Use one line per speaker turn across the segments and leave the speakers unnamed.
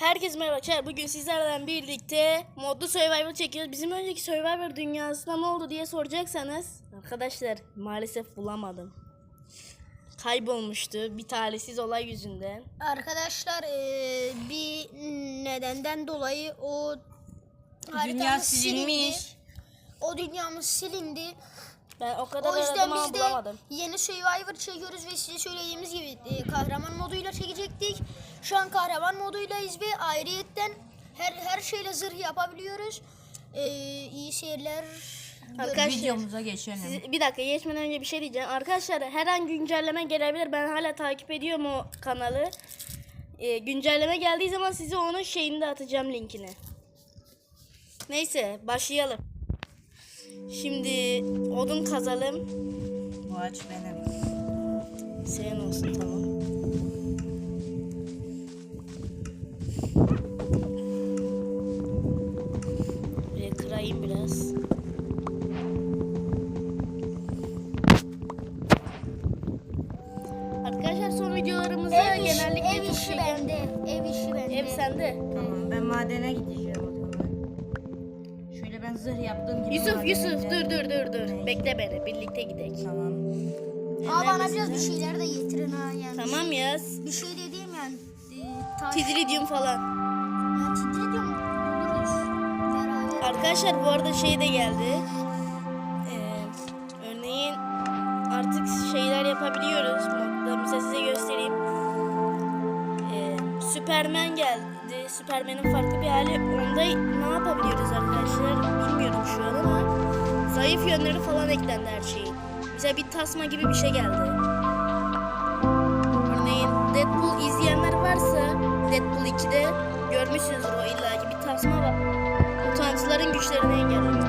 Herkese merhaba arkadaşlar. Bugün sizlerle birlikte modlu Survivor çekiyoruz. Bizim önceki Survivor dünyasında ne oldu diye soracaksanız arkadaşlar maalesef bulamadım. Kaybolmuştu bir talihsiz olay yüzünden.
Arkadaşlar bir nedenden dolayı o
Dünya
haritamız
silinmiş.
O dünyamız silindi.
Ben o kadar
O yüzden
aradım ama
biz de
bulamadım.
yeni Survivor çekiyoruz ve size söylediğimiz gibi kahraman moduyla çekecektik. Şu an kahraman moduylayız ve ayrıyetten her şeyle zırh yapabiliyoruz. İyi seyirler.
Arkadaşlar,
Videomuza geçelim.
bir dakika geçmeden önce bir şey diyeceğim. Arkadaşlar her an güncelleme gelebilir. Ben hala takip ediyorum o kanalı. Güncelleme geldiği zaman size onun şeyini de atacağım, linkini. Neyse başlayalım. Şimdi odun kazalım.
Bu ağaç benim.
Senin olsun, tamam. Buraya kırayım biraz. Arkadaşlar son videolarımızda genellikle
ev
çok
işi
şey
bende. Ev işi bende.
Ev sende.
Tamam, ben madene gideceğim o zaman. Şöyle ben zırh yaptığım gibi.
Yusuf
madene
dur. Bekle beni, birlikte gidelim.
Tamam.
Bana biraz bir şeyler de getirin ha yani.
Tamam yaz.
Bir şey dediğim yani. Taş.
Tidridium falan.
Ya titriyorum. Buluruz. Beraber.
Arkadaşlar bu arada şey de geldi. Örneğin artık şeyler yapabiliyoruz modda. Mesela size göstereyim. Superman geldi. Superman'in farklı bir hali. Onda ne yapabiliyoruz arkadaşlar? Bilmiyorum şu an ama zayıf yönleri falan eklendi her şeyin. Mesela bir tasma gibi bir şey geldi. Örneğin Deadpool izleyenler varsa Deadpool 2'de görmüşsünüzdür, o illaki bir tasma var. Mutantıların güçlerini engelliyor.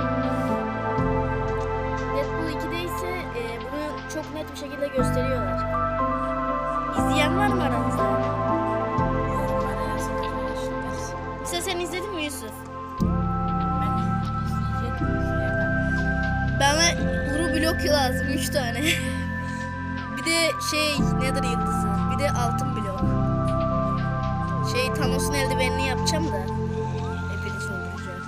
Deadpool 2'de ise bunu çok net bir şekilde gösteriyorlar. İzleyen var mı aranızda?
Yorumlara yazın arkadaşlar.
Mesela sen izledin mi Yusuf?
Ben izleyecektim. izleyemem.
Bana Uru blok lazım 3 tane. Bir de Nether yıldızı. Bir de altın blok. Thanos'un eldivenini yapacağım da. Hepinizi öldüreceğim.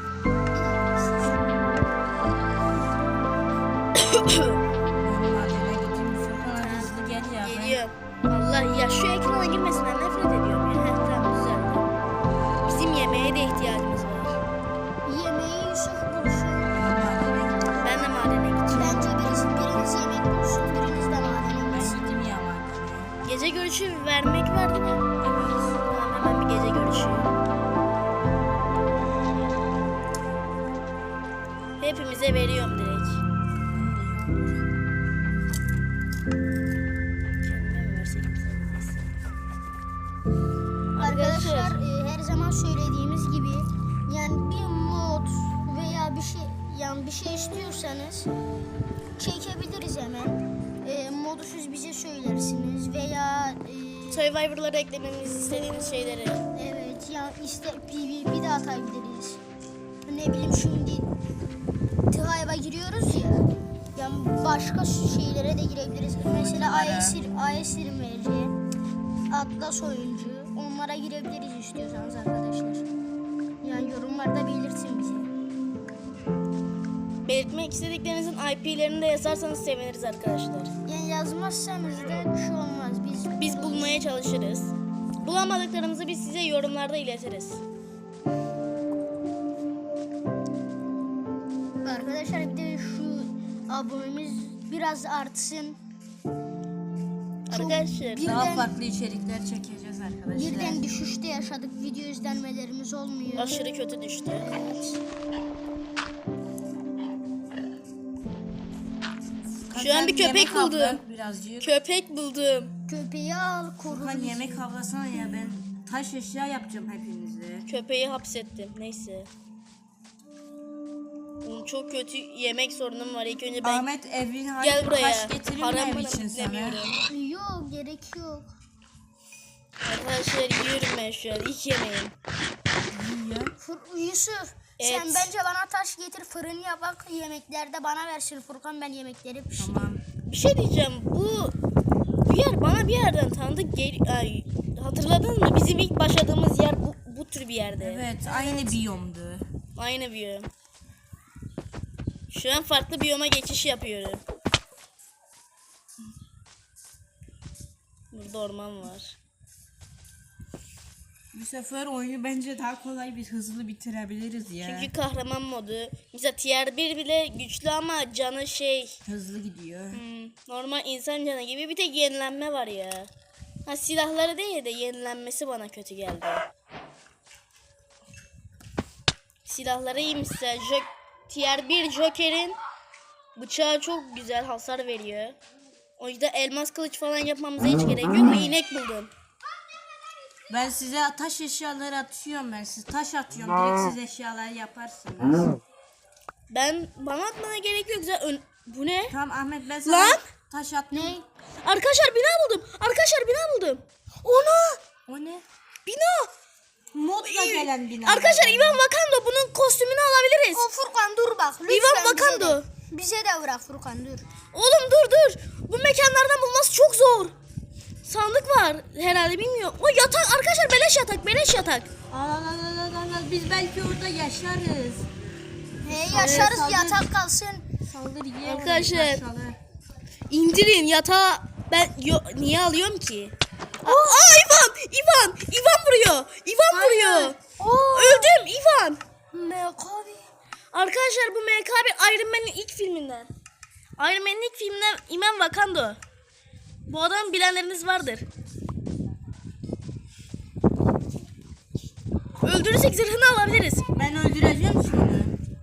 Ben madene gideyim. Furkan hızlı gel ya.
Geliyorum. Allah ya, şu ekrana girmesinden nefret ediyorum ya. Heh, tamam, güzel. Bizim yemeğe de ihtiyacımız var.
Yemeği Yusuf bulsun.
Ben madene gideyim.
Ben de madene gideceğim.
Bence biriniz yemek bulsun, biriniz de madene
Ben
gitsin.
gideyim ya madene.
Gece görüşü vermek var değil mi? Tamam, hemen bir gece görüşü. Hepimize veriyorum direkt. Kendime mi versek bize? Neyse.
Arkadaşlar her zaman söylediğimiz gibi yani bir mod veya bir şey istiyorsanız çekebiliriz hemen. Modu siz bize söylersiniz veya
Survivor'lara eklememizi istediğiniz şeyleri.
evet ya PvP de atabiliriz. Ne bileyim şimdi Tıhayva giriyoruz ya. Yani başka şeylere de girebiliriz. Mesela Ayesir'in vereceği Atlas oyuncu. Onlara girebiliriz istiyorsanız arkadaşlar. Yani yorumlarda belirtin bize.
Belirtmek istediklerinizin IP'lerini de yazarsanız seviniriz arkadaşlar.
Yani yazmazsanız da bir şey olmaz.
Biz bulmaya çalışırız. Bulamadıklarımızı biz size yorumlarda iletiriz.
Arkadaşlar bir de şu abonemiz biraz artsın.
Arkadaşlar
Daha
Birden-
farklı içerikler çekeceğiz arkadaşlar.
Birden düşüşte yaşadık. Video izlenmelerimiz olmuyor.
aşırı kötü düştü.
Evet.
Şu an bir köpek
Yemek avla
buldum.
Birazcık.
Köpek buldum.
Köpeği al, koru.
Furkan yemek avlasana ya, ben taş eşya yapacağım hepinize.
Köpeği hapsettim. Neyse. Oğlum, çok kötü yemek sorunum var. İlk önce ben
Ahmet evin
gel buraya.
taş getirir mi
Param
ev
bana
için sana?
demiyorum.
Yok, gerek yok.
Arkadaşlar yiyorum ben şu an. İlk yemeğim.
Yusuf,
Evet.
sen bence bana taş getir, fırın yapak, yemeklerde bana versin Furkan, ben yemekleri pişireyim.
Tamam.
Bir şey diyeceğim. Bir yer bana bir yerden tanıdık. Hatırladınız mı? Bizim ilk başladığımız yer bir yerde.
Evet, aynı biyomdu.
Aynı biyom. Şu an farklı biyoma geçiş yapıyorum. Burada orman var.
Bu sefer oyunu bence daha kolay bir hızlı bitirebiliriz ya.
Çünkü kahraman modu. Mesela tier 1 bile güçlü ama canı
Hızlı gidiyor.
normal insan canı gibi, bir tek yenilenme var ya. Ha, silahları değil de yenilenmesi bana kötü geldi. Silahları iyi mesela. Tier 1 Joker'in bıçağı çok güzel hasar veriyor. O yüzden elmas kılıç falan yapmamıza hiç gerek yok ve inek buldum.
Ben size taş eşyaları atıyorum ben. Siz taş atıyorum. Direkt siz eşyaları yaparsınız.
Bana atmana gerek yok. Zaten bu ne?
Tamam Ahmet ben sana
Lan!
taş attım.
Ne?
Arkadaşlar bina buldum. Arkadaşlar bina buldum. Onu!
O ne?
Bina!
Modla gelen bina.
Arkadaşlar Ivan Vakando, bunun kostümünü alabiliriz.
O Furkan dur bak. Lütfen
Ivan
bize
Vakando.
de. Bize de bırak Furkan dur.
Oğlum dur. Bu mekanlardan bulması çok zor. Sandık var herhalde, bilmiyorum. O yatak arkadaşlar, beleş yatak.
Al. Biz belki orada yaşarız.
Yaşarız
saldır.
yatak kalsın.
Saldır yiyelim.
Arkadaşlar. İndirin yatağı. Niye alıyorum ki? İvan vuruyor. Öldüm İvan.
Mekabi.
Arkadaşlar bu MKB Iron Man'in ilk filminden. Iron Man'in ilk filminden Ivan Vakando. Bu adamı bilenleriniz vardır. Öldürürsek zırhını alabiliriz.
Ben öldüreceğim şimdi.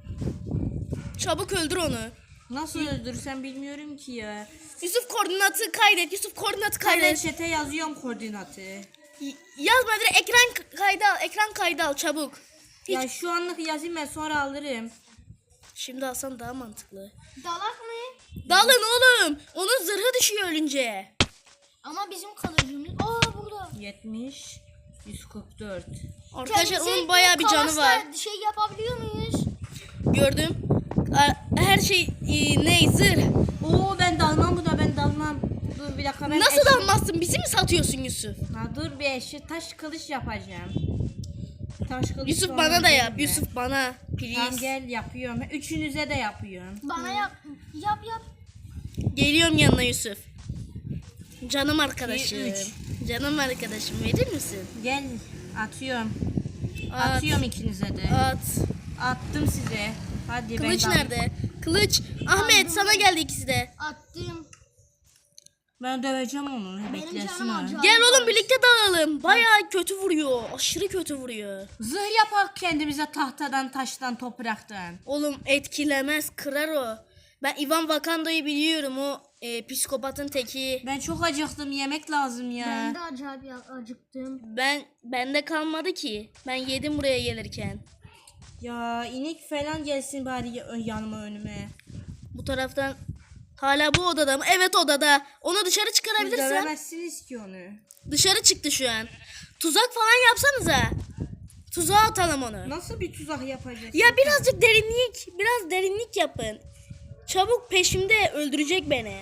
Çabuk öldür onu.
Nasıl öldürsem bilmiyorum ki ya.
Yusuf koordinatı kaydet.
Ben chat'e yazıyorum koordinatı.
Yazma, direkt ekran kaydı al çabuk.
Ya şu anlık yazayım ben sonra alırım.
Şimdi alsan daha mantıklı.
Dalak mı?
Dalın oğlum. Onun zırhı düşüyor ölünce.
Ama bizim kalıcımız. Burada.
70 144.
Arkadaşlar
Kendisi
onun bayağı bir canı
kalasla
var.
Şey yapabiliyor muyuz?
Gördüm. Her şey zırh.
Oo ben dalmam ben dalmam. Dur bir dakika ben
Nasıl dalmazsın? Bizi mi satıyorsun Yusuf?
Dur bir taş kılıç yapacağım. Taş kılıç
Yusuf
sonra
bana da yap.
gelin be.
Yusuf bana.
Tamam
Please.
gel yapıyorum. Üçünüze de yapıyorum.
Bana yap. Yap.
Geliyorum yanına Yusuf. Canım arkadaşım.
2, 3.
Canım arkadaşım, verir misin?
Gel atıyorum.
At.
Atıyorum ikinize de.
At.
Attım size. Hadi
Kılıç
ben
nerede? Kılıç. Ahmet sana geldi ikisi de.
Attım.
Ben döveceğim onu. Beklesin
canım
o.
acıyor.
Gel oğlum birlikte dalalım. Bayağı kötü vuruyor. Aşırı kötü vuruyor.
Zırh yapak kendimize tahtadan, taştan, topraktan.
Oğlum etkilemez, kırar o. Ben Ivan Vakando'yu biliyorum, o psikopatın teki.
Ben çok acıktım. Yemek lazım ya.
Ben de acayip acıktım.
Bende kalmadı ki. Ben yedim buraya gelirken.
Ya inek falan gelsin bari yanıma önüme.
Bu taraftan hala bu odada mı? Evet odada. Onu dışarı
Siz
çıkarabilirsen.
dövemezsiniz ki onu.
Dışarı çıktı şu an. Tuzak falan yapsanıza. Tuzağa atalım onu.
Nasıl bir tuzak yapacağız?
Ya birazcık biraz derinlik yapın. Çabuk, peşimde, öldürecek beni.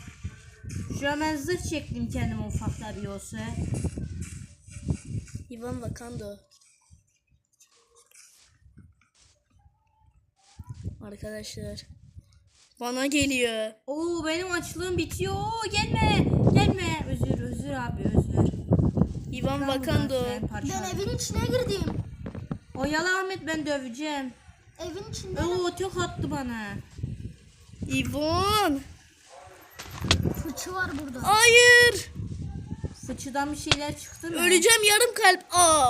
Şu an ben zırh çektim kendime ufakta bir olsa.
Ivan Vakando. Arkadaşlar. Bana geliyor.
Oo benim açlığım bitiyor. Oo, gelme. Özür abi özür.
Ivan Vakando.
Ben evin içine girdim.
Oyalı Ahmet ben döveceğim.
Evin içinde.
Oo tek attı bana.
Ivan.
Fıçı var burada.
Hayır.
Fıçıdan bir şeyler çıktı mı?
Öleceğim, yarım kalp.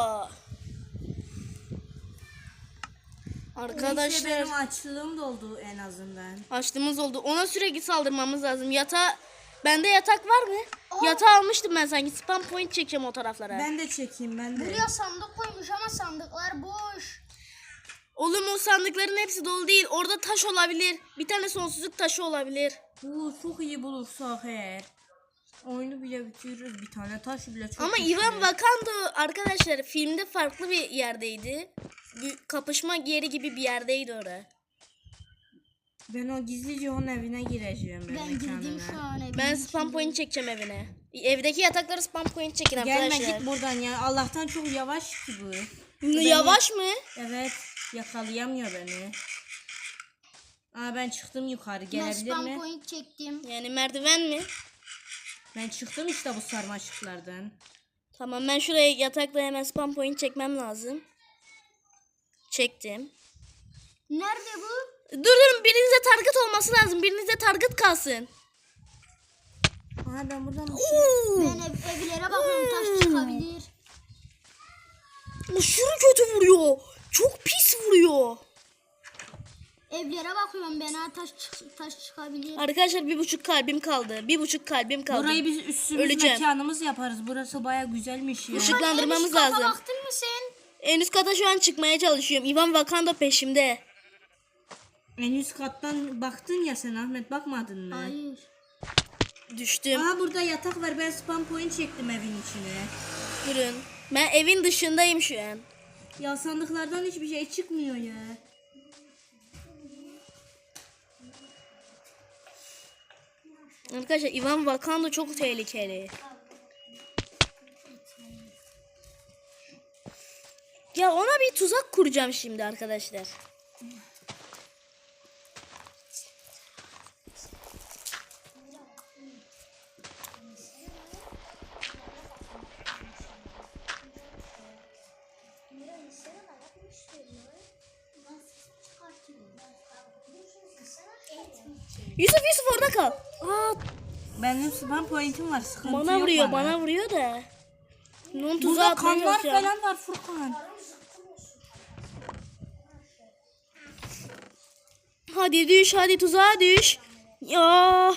Neyse
Arkadaşlar.
benim açlığım doldu en azından.
Açlığımız oldu. Ona sürekli saldırmamız lazım. Bende yatak var mı? Yatağı almıştım ben sanki. Spam point çekeceğim o taraflara.
Ben de çekeyim ben de.
Buraya sandık koymuş ama sandıklar boş.
Oğlum o sandıkların hepsi dolu değil. Orada taş olabilir. Bir tane sonsuzluk taşı olabilir.
Oo çok iyi bulursak eğer. Oyunu bile bitiririz, bir tane taş bile çok
Ama
güçlü.
Ivan Vakando arkadaşlar filmde farklı bir yerdeydi. Kapışma yeri gibi bir yerdeydi orada.
Ben o gizlice onun evine gireceğim.
Ben girdim şu an evin
Ben
içine.
spam point çekeceğim evine. Evdeki yatakları spam point çekin arkadaşlar.
Gelmedik buradan ya. Allah'tan çok yavaş ki bu.
Yavaş mı?
Evet. Yakalayamıyor beni. Aa ben çıktım yukarı.
Ben
Gelebilir
spam
mi?
point çektim.
Yani merdiven mi?
Ben çıktım işte bu sarmaşıklardan.
Tamam ben şuraya yatakla hemen spam point çekmem lazım. Çektim.
Nerede bu?
Durun birinize target olması lazım. Birinize target kalsın.
Aa ben buradan
Ben evlere bakıyorum, taş çıkabilir.
Aşırı kötü vuruyor. Çok pis vuruyor.
Evlere bakıyorum ben, ha taş çıkabilir.
Arkadaşlar 1,5 kalbim kaldı. 1,5 kalbim kaldı.
Burayı biz üstümüz
Öleceğim.
mekanımız yaparız. Burası baya güzelmiş ya.
Işıklandırmamız
En üst kata
lazım.
baktın mı sen?
En üst kata şu an çıkmaya çalışıyorum. Ivan Vakanda peşimde.
En üst kattan baktın ya sen Ahmet, bakmadın mı?
Hayır.
Düştüm.
Aa burada yatak var. Ben spam point çektim evin içine.
Durun. Ben evin dışındayım şu an.
Ya sandıklardan hiçbir şey çıkmıyor ya.
Arkadaşlar Ivan Vakanda çok tehlikeli. Ya ona bir tuzak kuracağım şimdi arkadaşlar. Yusuf orada kal. Aa,
Benim spam point'im var. Sıkıntı
bana
yok
vuruyor,
bana.
bana vuruyor da. Onun tuzağı
Burada
atmaya
kanlar
çalışacağım.
falan var Furkan.
Hadi düş, hadi tuzağa düş. Ya,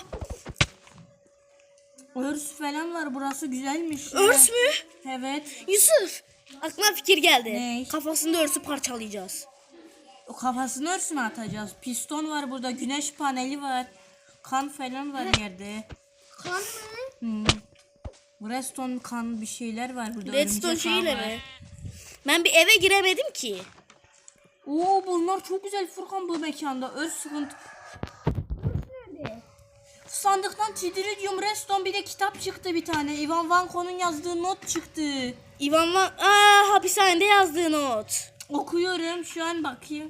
Örs falan var. Burası güzelmiş. ya.
örs mü?
Evet.
Yusuf, aklıma fikir geldi.
Ne?
Kafasında örsü parçalayacağız.
O kafasını örsüne atacağız. Piston var burada. Güneş paneli var. Kan falan var yerde.
Kan mı?
Hmm. Redstone kan bir şeyler var burada.
Redstone
örümcek ağ
şeyiyle
var.
mi? Ben bir eve giremedim ki.
Oo bunlar çok güzel Furkan bu mekanda. Örs sıkıntı.
Nerede?
Sandıktan Tidridium Redstone bir de kitap çıktı bir tane. Ivan Vanko'nun yazdığı not çıktı.
Ivan hapishanede yazdığı not.
Okuyorum şu an, bakayım.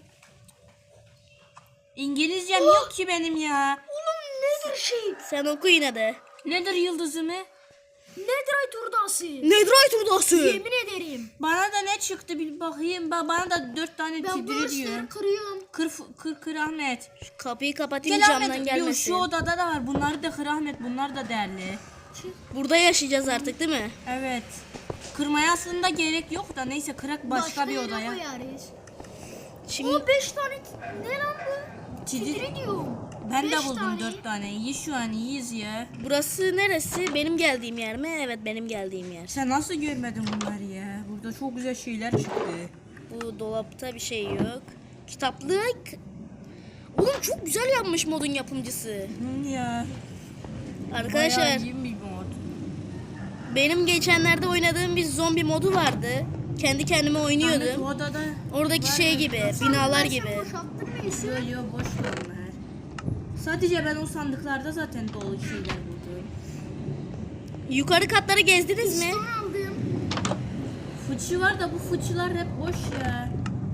İngilizcem yok ki benim ya.
Oğlum nedir şey?
Sen oku yine de.
Nedir yıldızımı?
Netherite hurdası.
Netherite hurdası.
Yemin ederim.
Bana da ne çıktı bir bakayım. Bana da 4 tane
Ben bu
Tidridium.
ışıkları kırıyorum.
Kır Ahmet.
Kapıyı kapatayım
Gel
camdan
Ahmet.
gelmesin.
Şu odada da var. Bunları da kır Ahmet. Bunlar da değerli.
Burada yaşayacağız artık değil mi?
Evet. Kırmaya aslında gerek yok da neyse kırak başka bir
yere
odaya.
koyarız.
Şimdi
O 5 tane ne lan bu?
Tidri-
Tidridium.
Ben de
Beş
buldum
tane.
4 tane. İyi şu an iyiyiz ya.
burası neresi? Benim geldiğim yer mi? Evet benim geldiğim yer.
Sen nasıl görmedin bunları ya? Burada çok güzel şeyler çıktı.
Bu dolapta bir şey yok. Kitaplık. Oğlum çok güzel yapmış modun yapımcısı.
Ya.
Arkadaşlar
Bayağı iyi bir mod.
benim geçenlerde oynadığım bir zombi modu vardı. Kendi kendime
Ahmet
oynuyordum.
o odada
Oradaki
var
şey
ya.
gibi, binalar gibi.
Boşalttın mı Yusuf?
Yo yo boş ver onlar. Sadece ben o sandıklarda zaten dolu şeyler buldum.
Yukarı katları gezdiniz mi?
Son aldım.
Fıçı var da bu fıçılar hep boş ya.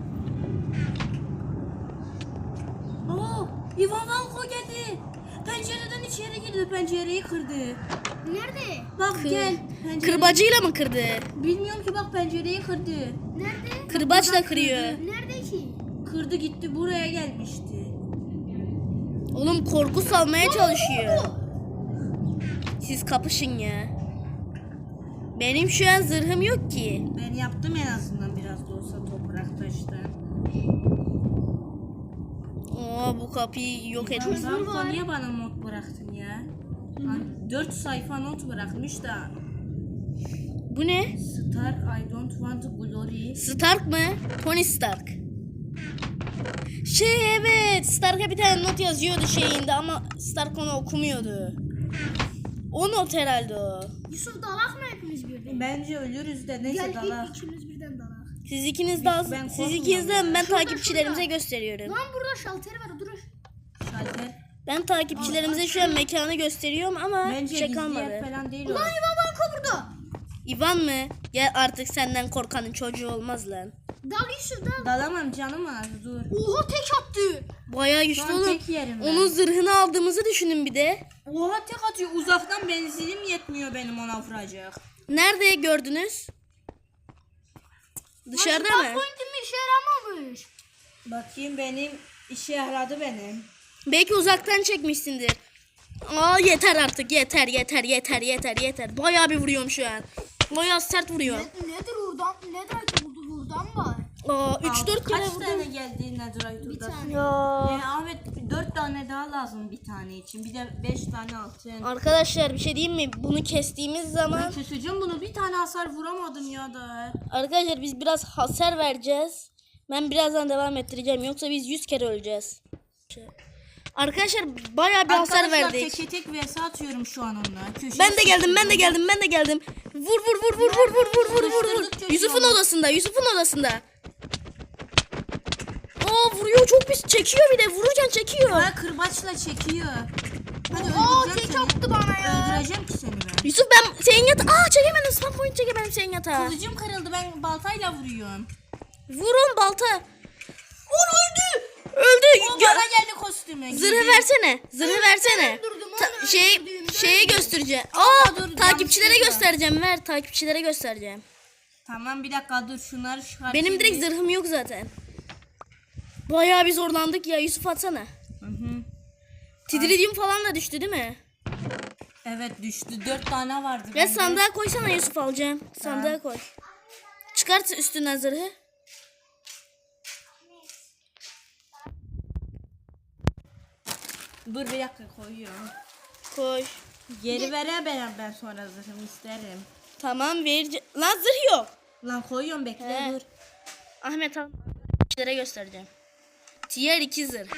Oo, Ivan Vanko geldi. Pencereden içeri girdi, pencereyi kırdı.
Nerede?
Bak gel. Pencere-
Kırbacıyla mı kırdı?
Bilmiyorum ki, bak pencereyi kırdı.
Nerede?
Kırbaçla kırıyor.
Nerede ki?
Kırdı gitti, buraya gelmişti.
Oğlum korku salmaya çalışıyor. Siz kapışın ya. Benim şu an zırhım yok ki.
Ben yaptım en azından biraz da olsa toprak taştan.
Oo bu kapıyı yok etmiş.
Vanko niye bana not bıraktın ya? 4 sayfa not bırakmış da.
Bu ne?
Stark, I don't want glory.
Stark mı? Tony Stark. Evet, Stark'a bir tane not yazıyordu şeyinde ama Stark onu okumuyordu. O not herhalde o.
Yusuf dalak mı hepimiz birden?
Bence ölürüz de neyse
Gel
dalak.
ilk ikimiz birden dalak.
Siz ikiniz de
Ben
siz
korkmuyorum
ikiniz de
ya.
ben
Şurada,
takipçilerimize
şurada.
gösteriyorum.
Lan burada şalteri var, dur.
Şalter.
Ben takipçilerimize şu an mekanı gösteriyorum ama
Bence
bir şey
gizli
kalmadı.
yer falan değil o.
Lan İvan banka burada.
İvan mı? Ya artık senden korkanın çocuğu olmaz lan.
Dal Yusuf dal.
Dalamam canım az dur.
Oha tek attı.
Bayağı
Şu
güçlü
an
oğlum.
tek yerim ben.
Onun zırhını aldığımızı düşünün bir de.
Oha tek atıyor. Uzaktan benzinim yetmiyor benim ona vuracak.
Nerede gördünüz? Dışarıda mı?
Pointim işe yaramamış.
Bakayım benim işe yaradı benim.
Belki uzaktan çekmişsindir. Aa yeter artık yeter. Bayağı bir vuruyorum şu an. Bayağı sert vuruyor.
Nedir oradan? Nedir buldu buradan var?
Aa 3-4 kere
Kaç tane
vurdum.
geldi Netherite
Bir
odası?
tane.
Ya.
Ahmet 4 tane daha lazım bir tane için. Bir de 5 tane altın.
Arkadaşlar bir şey diyeyim mi? Bunu kestiğimiz
Ben
zaman
keseceğim bunu. Bir tane hasar vuramadım ya da.
arkadaşlar biz biraz hasar vereceğiz. Ben birazdan devam ettireceğim. Yoksa biz 100 kere öleceğiz. Arkadaşlar bayağı bir hasar
Arkadaşlar
verdik.
teke tek vs atıyorum şu an onunla. Köşeye
Ben de geldim.
sıkıştırdım.
Vur.
Sıkıştırdık
Yusuf'un
çocuğu.
odasında. Aa vuruyor çok pis. Çekiyor bir de. Vururken çekiyor.
Ha kırbaçla çekiyor. Hadi
Aa
öldüreceğim
tek
seni.
attı bana ya.
Öldüreceğim ki seni ben.
Yusuf ben senin yatağı. Aa çekemedim. Spam point çekemedim senin yatağı.
Kılıcım kırıldı, ben baltayla vuruyorum.
Vurun balta. Öldü.
O bana geldi kostümü.
Zırhı versene.
öldürdüm,
Ta-
onu
şey
öldürdüm,
şeye göstereceğim.
Aa,
Aa
dur,
takipçilere
yanlışlıkla.
göstereceğim. Ver takipçilere göstereceğim.
Tamam bir dakika dur şunları çıkartayım.
Benim direkt zırhım yok zaten. Bayağı bir zorlandık ya. Yusuf atsana.
Hı.
Tidridium falan da düştü değil mi?
Evet düştü. 4 tane vardı.
Ya
bende.
sandığa koysana Yusuf alacağım. Sandığa koy. Çıkart üstünden zırhı.
Dur bir dakika koyuyorum.
Koy.
Geri vere ben sonra zırhımı isterim.
Tamam vereceğim. Lan zırh yok.
Lan koyuyorum bekle
He.
dur.
Ahmet al. Kişilere göstereceğim. Tier 2 zırh.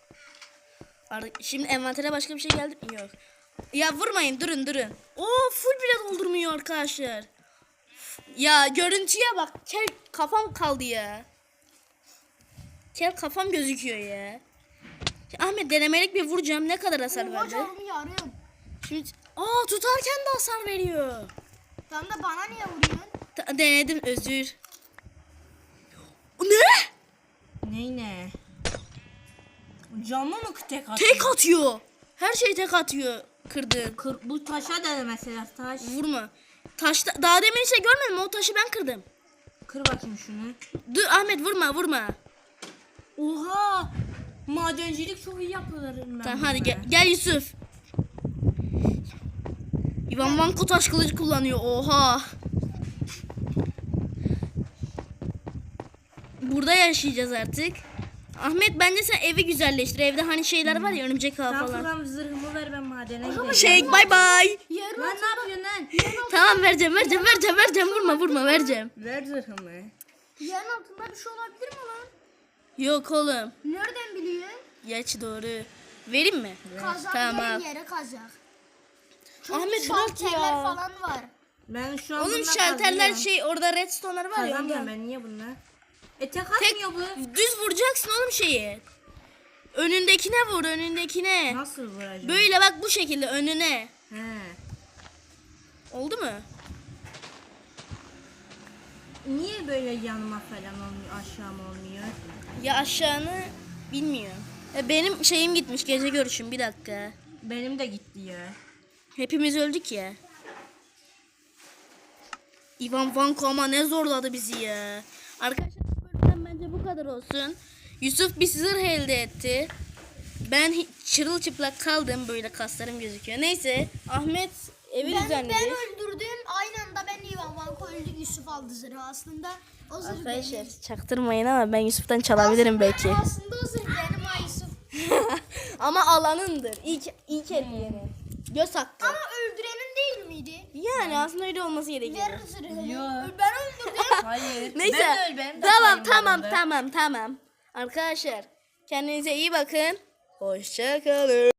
Şimdi envantere başka bir şey geldi mi? Yok. Ya vurmayın durun. Oo full bile doldurmuyor arkadaşlar. Ya görüntüye bak. Kel kafam kaldı ya. Kel kafam gözüküyor ya. Ahmet denemelik bir vuracağım. Ne kadar hasar verdi?
Canımı yarıyorum.
Şimdi tutarken de hasar veriyor.
Tam da bana niye vuruyorsun?
Denedim özür. Ne?
Ne? Camı mı tek atıyor?
Tek atıyor. Her şey tek atıyor. Kırdın.
Bu taşa da mesela taş.
Vurma. Taşta daha demin şey görmedin mi? O taşı ben kırdım.
Kır bakayım şunu.
Dur Ahmet vurma.
Oha! Madencilik çok iyi yapılır.
Tamam hadi gel Yusuf. Ivan Vanko taş kılıcı kullanıyor. Oha. Burada yaşayacağız artık. Ahmet bence sen evi güzelleştir. Evde hani şeyler var ya örümcek ağı
Sen
falan.
falan zırhımı ver ben madene gideyim.
Şey bay bay.
Yarın
Lan ne yapıyorsun lan?
Tamam vereceğim. Vurma vereceğim.
Ver zırhımı.
yerin altında bir şey olabilir mi lan?
Yok oğlum.
Nereden biliyorsun?
Geç doğru. Vereyim mi?
Kazak
Tamam.
yerin yere kazak.
Ahmet bırak
Şalterler
ya.
falan var.
Ben şu an
Oğlum
bununla
şalterler
kazıyorum.
şey orada redstone'lar var ya.
Kazanmıyorum
ondan.
ben niye bunlar? Tek
Tek
atmıyor bu.
düz vuracaksın oğlum şeyi. Önündekine vur önündekine.
Nasıl vuracağım?
Böyle bak bu şekilde önüne.
He.
Oldu mu?
Niye böyle yanıma falan olmuyor, aşağıma olmuyor?
Ya aşağını bilmiyorum. Benim şeyim gitmiş gece görüşüm bir dakika.
Benim de gitti ya.
Hepimiz öldük ya. Ivan Vanko ama ne zorladı bizi ya. Arkadaşlar bu bölümden bence bu kadar olsun. Yusuf bir zırh elde etti. Ben çırılçıplak kaldım böyle kaslarım gözüküyor. Neyse Ahmet evi
Ben
düzenledi.
öldürdüm. Aynı anda ben Ivan Vanko öldü. Yusuf aldı zırhı aslında. O zırh
Arkadaşlar
benim.
çaktırmayın ama ben Yusuf'tan çalabilirim belki.
Aslında o zırh benim ha Yusuf.
Ama alanındır. İlk ellerini. Göz hakkı.
Ama öldürenin değil miydi?
Yani aslında öyle olması gerekiyor.
Ver zırhını.
Yok.
Ben öldürdüm.
Hayır.
Neyse.
Ben de sayayım yanında.
Tamam. Arkadaşlar kendinize iyi bakın. Hoşça kalın.